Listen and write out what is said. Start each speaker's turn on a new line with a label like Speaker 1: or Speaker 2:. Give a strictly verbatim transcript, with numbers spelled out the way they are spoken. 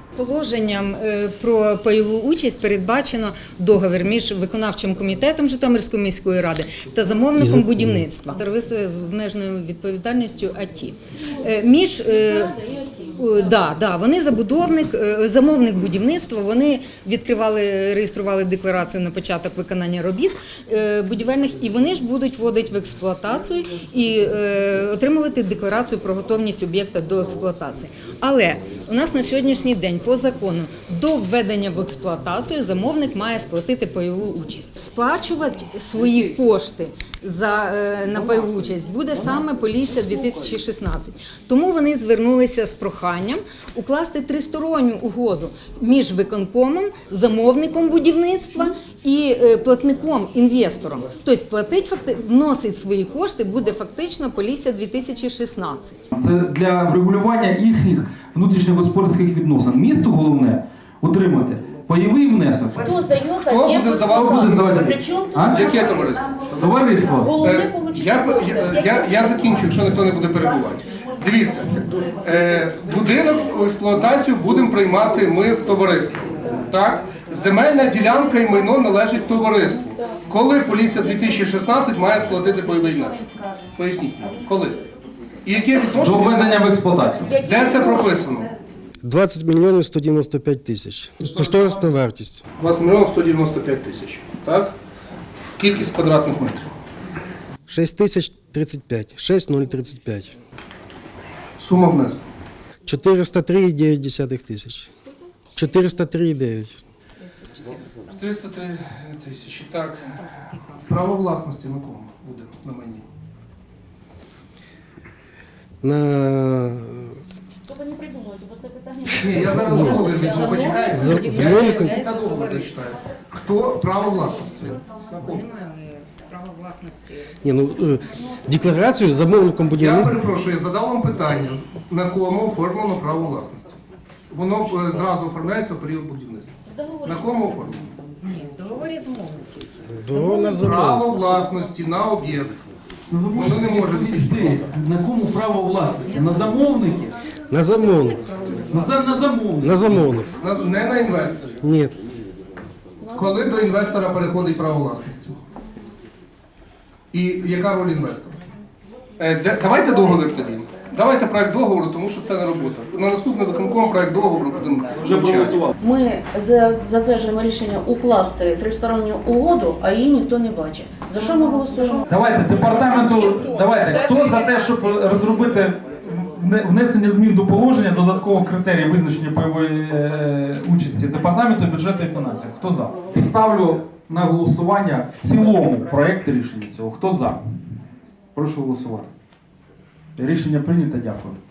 Speaker 1: Положенням про пайову участь передбачено договір між виконавчим комітетом Житомирської міської ради та замовником будівництва. Товариство з обмеженою відповідальністю АТІ. Між Да, да, вони забудовник, замовник будівництва, вони відкривали, реєстрували декларацію на початок виконання робіт будівельних, і вони ж будуть вводити в експлуатацію і отримувати декларацію про готовність об'єкта до експлуатації. Але у нас на сьогоднішній день по закону до введення в експлуатацію замовник має сплатити пайову участь. Сплачувати свої кошти за, на пайову участь буде саме Полісся дві тисячі шістнадцять. Тому вони звернулися з проханням укласти тристоронню угоду між виконкомом, замовником будівництва і платником, інвестором. Тобто платить, вносить свої кошти буде фактично Полісся дві тисячі шістнадцять.
Speaker 2: Це для врегулювання їхніх внутрішньогосподарських відносин. Місту головне утримати пайовий внесок.
Speaker 3: Хто здає,
Speaker 2: Хто буде здавати? Буде здавати?
Speaker 3: Причому
Speaker 2: А?
Speaker 4: Яке товариство?
Speaker 2: Товариство.
Speaker 4: Е, я, я, я, я закінчу, якщо ніхто не буде перебувати. Дивіться, е, будинок в експлуатацію будемо приймати ми з товариством. Так? Земельна ділянка і майно належить товариству. Коли Полісся дві тисячі шістнадцять має сплатити пайовий внесок? Поясніть мені, коли? І яке
Speaker 2: До
Speaker 4: відношення?
Speaker 2: введення в експлуатацію.
Speaker 4: Де це прописано?
Speaker 5: двадцять мільйонів сто дев'яносто п'ять тисяч. Кошторисна вартість.
Speaker 4: двадцять мільйонів сто дев'яносто п'ять тисяч. Так? Кількість квадратних метрів.
Speaker 5: шість тисяч тридцять п'ять. шість тисяч тридцять п'ять.
Speaker 4: Сума внеску.
Speaker 5: чотириста три цілих дев'ять десятих тисяч. чотириста три цілих дев'ять.
Speaker 4: триста три тисячі. Так. Право власності на кому буде на майні?
Speaker 5: На...
Speaker 3: Щоб не придумувати, бо це питання...
Speaker 4: Ні, я зараз договір візьму, почекайте.
Speaker 5: Замовником.
Speaker 4: Я кінця договір дочитаю. Хто право власності? На кому?
Speaker 1: Немає права власності.
Speaker 5: Ні, ну, е, декларацію замовником
Speaker 4: Я
Speaker 5: будівництва.
Speaker 4: перепрошую, я задав вам питання, на кому оформлено право власності? Воно е, зразу оформляється в період будівництва. На кому оформлено?
Speaker 1: Ні, в договорі замовників.
Speaker 5: Договор на
Speaker 4: Право
Speaker 5: замовник.
Speaker 4: власності на об'єкт.
Speaker 2: Ну, ви можете
Speaker 4: не може
Speaker 2: відповісти, на кому право власності? На замовники?
Speaker 5: На замовник.
Speaker 2: Ну, за- на замовник.
Speaker 5: На замовник.
Speaker 4: На- Не на інвесторі.
Speaker 5: Ні.
Speaker 4: Коли до інвестора переходить право власності? І яка роль інвестора? Е, де- давайте договір тоді. Давайте проект договору, тому що це не робота. На наступний виконком проект договору будемо вивчати.
Speaker 3: Ми за- затверджуємо рішення укласти тристоронню угоду, а її ніхто не бачить. За що ми голосуємо?
Speaker 2: Давайте, департаменту, давайте, хто за те, щоб розробити вне- внесення змін до положення додаткового критерію визначення пайової е, участі Департаменту бюджету і фінансів? Хто за? Ставлю на голосування в цілому проєкт рішення цього. Хто за? Прошу голосувати. Рішення прийнято, дякую.